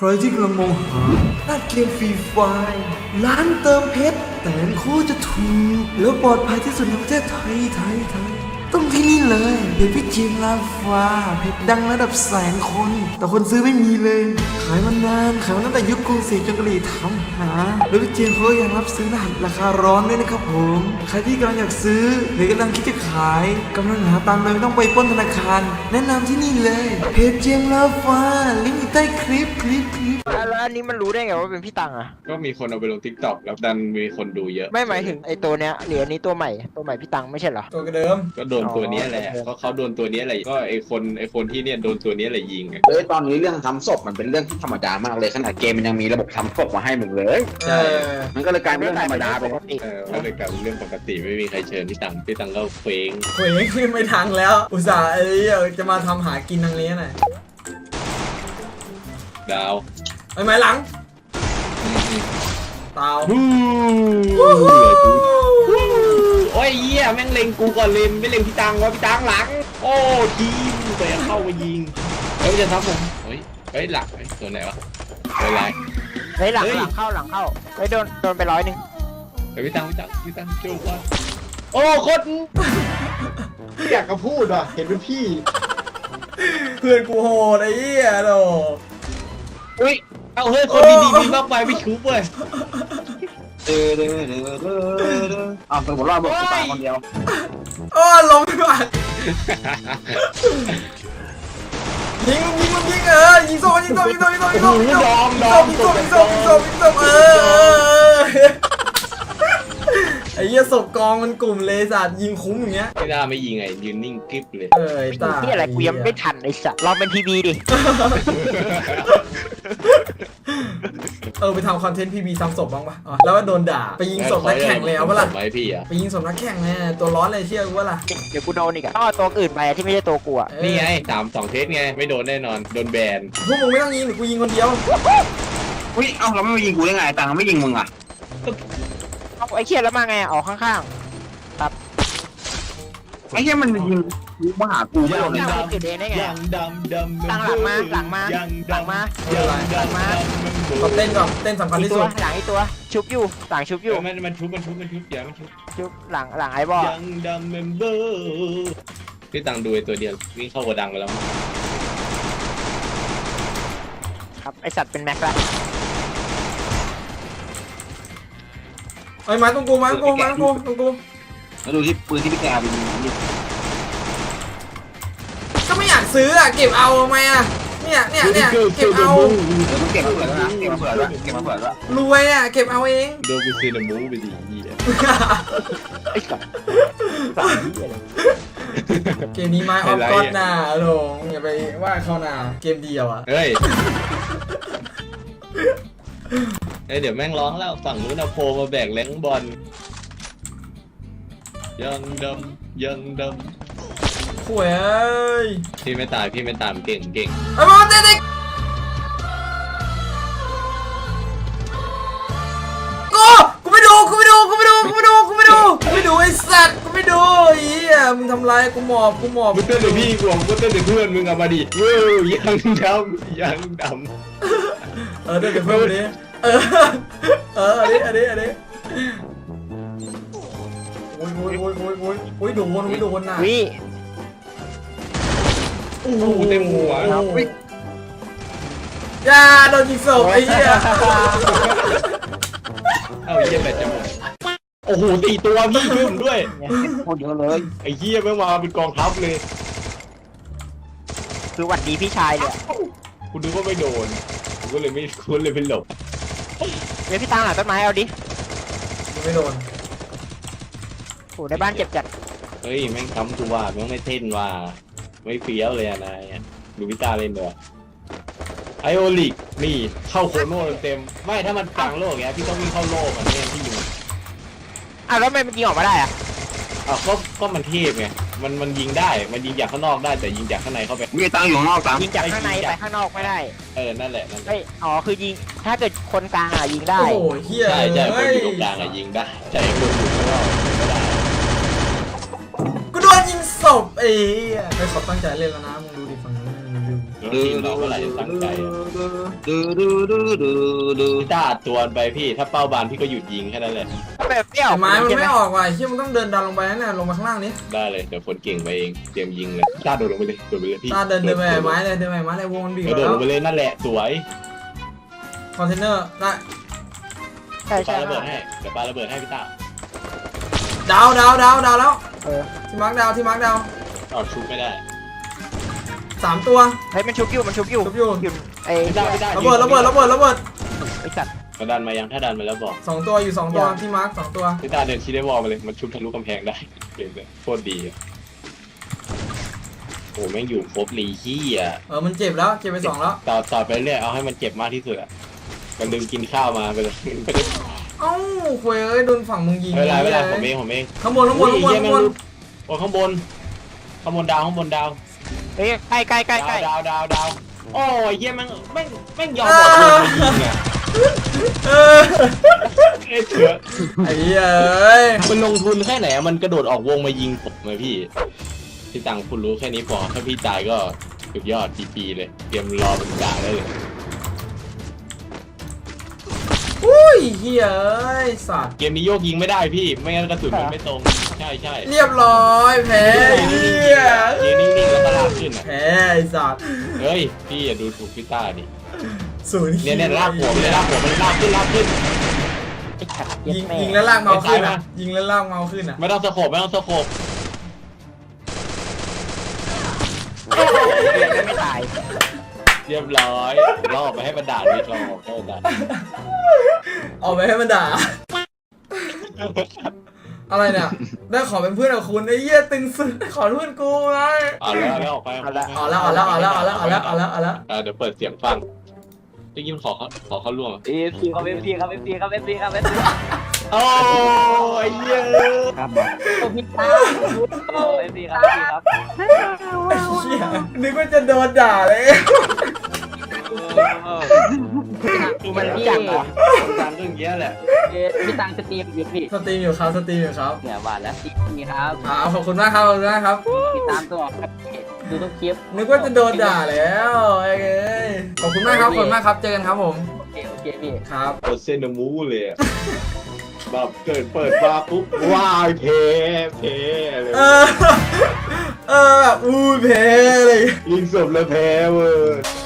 รที่กำลังมองหาร้านเกมฟรีไฟล์ร้านเติมเพชรแต่งคู่จะถูกแล้วปลอดภัยที่สุดในประเทศไทยต้องที่นี่เลยเพจพี่เจมลาฟ้าเพจดังระดับแสนคนแต่คนซื้อไม่มีเลยขายมานานขายมาตั้งแต่ยุคกรุงศรีจนกะหรี่ทำหาแล้วพี่เจมเขายังรับซื้อรหัสราคาร้อนด้วยนะครับผมใครที่กำลังอยากซื้อหรือกำลังคิดจะขายกำลังหาตังค์เลยไม่ต้องไปปล้นธนาคารแนะนำที่นี่เลยเพจเจมลาฟ้าลิงก์อยู่ใต้คลิปแล้วอันนี้มันรู้ได้ไงว่าเป็นพี่ตังอะก็มีคนเอาไปลง TikTok แล้วดันมีคนดูเยอะไม่หมายถึงไอ้ตัวเนี้ยหรืออันนี้ตัวใหม่พี่ตังไม่ใช่เหรอตัวเดิมก็โดนตัวนี้แหละก็เขาโดนตัวนี้แหละก็ไอคนที่เนี่ยโดนตัวนี้แหละยิงอะตอนนี้เรื่องทำศพมันเป็นเรื่องที่ธรรมดามากเลยขนาดเกมมันยังมีระบบทำศพมาให้มึงเลยมันก็เลยกลายเป็นเรื่องธรรมดาไปก็เลยกลายเป็นเรื่องปกติไม่มีใครเชิญพี่ตังก็เฟ้งเว้ยขึ้นไม่ทันแล้วอุตส่าห์จะมาทำหากินทางนี้หน่อยดาวไอ้ไม้หลังเตาโอ้ยเหี้ยแม่งเล็งกูก่อนเลยไม่เล็งพี่ตังวะพี่ตังหลังโอ้ทีมแต่เข้ามายิงแล้วจะทำผมเฮ้ยหลักตัวไหนวะตัวอะไรเฮ้ยหลังเข้าเฮ้ยโดนไป100 พี่ตังช่วยว่าโอ้โคตรอยากจะพูดว่ะเห็นเป็นพี่เพื่อนกูโหดไอ้เหี้ยโดอุ้ยเอาเฮ้ยคนดีมากไปไม่ชุบเว้ยอ้าวสมมติว่าบอกกูตายคนเดียวโอ้ลงไปก่อนยิงยิงโซ่ยิงโซ่ไอ้เหี้ยศพกองมันกลุ่มเลยสัตว์ยิงคุ้มอย่างเงี้ยไม่ได้ไม่ยิงไงยืนนิ่งกริบเลยตาที่อะไรกูยังไม่ทันไอ้สัตว์ลองเป็นทีวีดิไปทำคอนเทนต์พีบีซ้ำศพบ้างปะแล้วว่าโดนด่าไปยิงศพนักแข่งเลยเอาปะล่ะไหมพี่อะไปยิงศพนักแข่งเนี่ยตัวร้อนเลยเชื่อกูว่าล่ะเดี๋ยวกูโดนอีกอะต้องเอาตัวอื่นไปที่ไม่ใช่ตัวกูอะนี่ไง2 เทสไงไม่โดนแน่นอนโดนแบนพวกมึงไม่ต้องยิงหรือกูยิงคนเดียวอุ้ยเอ้าเราไม่มายิงกูได้ไงตังไม่ยิงมึงอ่ะเอาไอ้เคียแล้วมาไงออกข้างไอ้เหี้ยมันยิงมาหากูไม่โดนเลยๆจุดเองได้ไงยังดำตั้งหลังมาก็เต้นก่อนเต้นสำคัญอีที่ตัสุวดหลังอีตัวชุบอยู่หลังชุบอยู่มันชุบอย่ามันชุบชุบหลังไอ้บอยังดำเมมเบอร์พี่ตังดูไอ้ตัวเดียววิ่งเข้ากระดังไปแล้วครับไอสัตว์เป็นแม็กละไอ้ไม้ตรงกูตรงกูแล้วดูที่ปืนที่พี่แกไปยิงนี่ก็ไม่อยากซื้ออ่ะเก็บเอาทำไมอ่ะเนี่ยเก็บเอาต้องเก็บมาเผื่อแล้วนะเก็บมาเผื่อแล้วรวยอ่ะเก็บเอาเองโดนกูซีนามูไปดีไอ้สัตว์เกมนี้ไม้ออฟก็อดน่ะหลงอย่าไปว่าเขาน่ะเกมเดียวอ่ะเฮ้ยเดี๋ยวแม่งร้องแล้วฝั่งนู้นเอาโพมาแบกแรงบอลยังดำข่วยเอ้ยพี่ไม่ตายเก่งไอ้บอลเด็กกูไม่ดูไอ้สัตว์กูไม่ดูไอ้เหี้ยมึงทำไรกูหมอบมึงเต้นแต่พี่กูเต้นแต่เพื่อนมึงเอามาดิเว้ยยังดเดี๋ยวเพิ่มดิอันนี้โอ้ยโดนน่ะวิโอ้โหเต็มหัวอย่าโดนยิงศพไอ้เหี้ยเอาเยี่ยแบตจะหมดโอ้โห4 ตัวพี่ช่วยผมด้วยโคตรเยอะเลยไอ้เหี้ยแม่งมาเป็นกองทัพเลยคือหวัดดีพี่ชายเลยคุณดูว่าไม่โดนผมก็เลยไม่หลบเดี๋ยวพี่ตังหลังต้นไม้เอาดิไม่โดนโอ้ในบ้านเจ็บจัดเฮ้ยแม่งค้ำกูว่าแม่งไม่เท่นว่าไม่เฟี้ยวเลยนายดูพิต้าเล่นด้วยไอโอลิกนี่เข้าโคโน่เต็มไม่ถ้ามันกลางโลกเงี้ยพี่ต้องวิ่งเข้าโลกมันเนี่ยพี่ยิงอ้าวแล้วทำไมมันยิงออกมาได้อะก็มันเทพไงมันยิงได้มันยิงจากข้างนอกได้แต่ยิงจากข้างในเข้าไปมีตังอยู่ข้างนอกตังยิงจากข้างในไปข้างนอกไม่ได้นั่นแหละเฮ้ยอ๋อคือยิงถ้าเกิดคนกลางอะยิงได้โอ้โหเหี้ยใช่คนอยู่ตรงกลางอะยิงได้แต่คนอยู่ข้างนอกไม่ได้กูโดนยิงศพไอ้เหี้ยไม่ขอตั้งใจเล่นแล้วนะมึงดูดิฝั่งนู้นมึงดูแล้วทีมเราเมื่อไหร่จะตั้งใจอะพี่ต้าอัดตัวไปพี่ถ้าเป้าบานพี่ก็หยุดยิงแค่นั้นแหละแบบเปรี้ยวไม้มันไม่ออกว่ะเชี่ยมันต้องเดินดันลงไปนั่นน่ะลงมาข้างล่างนี้ได้เลยเดี๋ยวคนเก่งไปเองเตรียมยิงเลยพี่ต้าโดดลงไปเลยโดดไปเลยพี่ตาเดินไปไม้เลยเดินไปไม้เลยวงมันบีบโดดแล้ลวงไปเลยนั่นแหละสวยคอนเทนเนอร์ได้ใช่ปาใช่ระเบิดให้เดี๋ยวปาระเบิดให้พี่ต้าดาวแล้วเออที่มาร์คดาวเอาชุบไม่ได้ 3 ตัวเฮ้ยมันชุบอยู่ชุบอยู่ไอ้พี่ต้าพี่ต้าระเบิดไอ้สัตว์มาดันมายังถ้าดันมาแล้วบอก 2 ตัวอยู่2 ตัวที่มาร์ค2 ตัวพี่ต้าเดินชี้ได้วอลมาเลยมันชุบทะลุกำแพงได้เก่งเลยโคตรดีอะโอ้แม่งอยู่ครบลีขี้อ่ะมันเจ็บแล้วเจ็บไป2แล้วต่อไปเรื่อยเอาให้มันเจ็บมากที่สุดอ่ะมันลืมกินข้าวมาไปเลยไม่ได้เอ้าคุยเอ้ยโดนฝั่งมึงยิงเวลาผมเองข้างบนอุ้ยเหี้ยแม่งรู้โอ้ข้างบนดาวเฮ้ยใกล้ดาวโอ้ยเหี้ยแม่งยอมหมดเลยยิงอ่ะเออเอ้ยเถื่อไอ้เอ้ยมันลงทุนแค่ไหนมันกระโดดออกวงมายิงผมเลยพี่ตังคุณรู้แค่นี้พอถ้าพี่ตายก็สุดยอดปีเลยเตรียมรอเป็นจ่าได้เลยอุ้ยเฮ้ยสัตว์เกมนี้โยกยิงไม่ได้พี่ไม่งั้นกระสุนมันไม่ตรงใช่เรียบร้อยแพ้เฮียยืนนิ่งๆแล้วก็ลากขึ้นอ่ะแพ้ไอ้สัตว์เฮ้ยพี่อย่าดูถูกพี่ต้าดิศูนย์เนี่ยลากหัวมันลากขึ้นไอ้สัตว์ยิงแล้วลากเมาขึ้นอ่ะยิงแล้วลากเมาขึ้นอ่ะไม่ต้องสโคปไม่ตายเรียบร้อยรอบไปให้มันด่าวิทย์รอบให้มันด่าเอาไปให้มันด่าอะไรเนี่ยได้ขอเป็นเพื่อนกับคุณไอ้เหี้ยตึงสุดขอเพื่อนกูไงเอาแล้วออกไปเอาแล้วเดี๋ยวเปิดเสียงฟังได้ยินขอเขาล่วง FC ครับ FC ครับ FC ครับ FC ครับ FC โอ้ยเยอะครับพี่ตา FC ครับ FC ครับไอ้เหี้ยนึกว่าจะโดนด่าเลยกูมันรู้จักเหรอคนดังเรื่องเยอะแหละพี่ตังสตรีมอยู่พี่สตรีมอยู่ครับเนี่ยหวานแล้วนี่ครับขอบคุณมากครับติดตามตัวครับดูทุกคลิปนึกว่าจะโดนด่าแล้วไอ้เอ้ยขอบคุณมากครับเจอกันครับผมโอเคพี่ครับโคเซนมูเลยแบบเปิดมาปุ๊บว้ายเพเลยแบบอู้เพเลยยิงศพแล้วแพ้เว้ย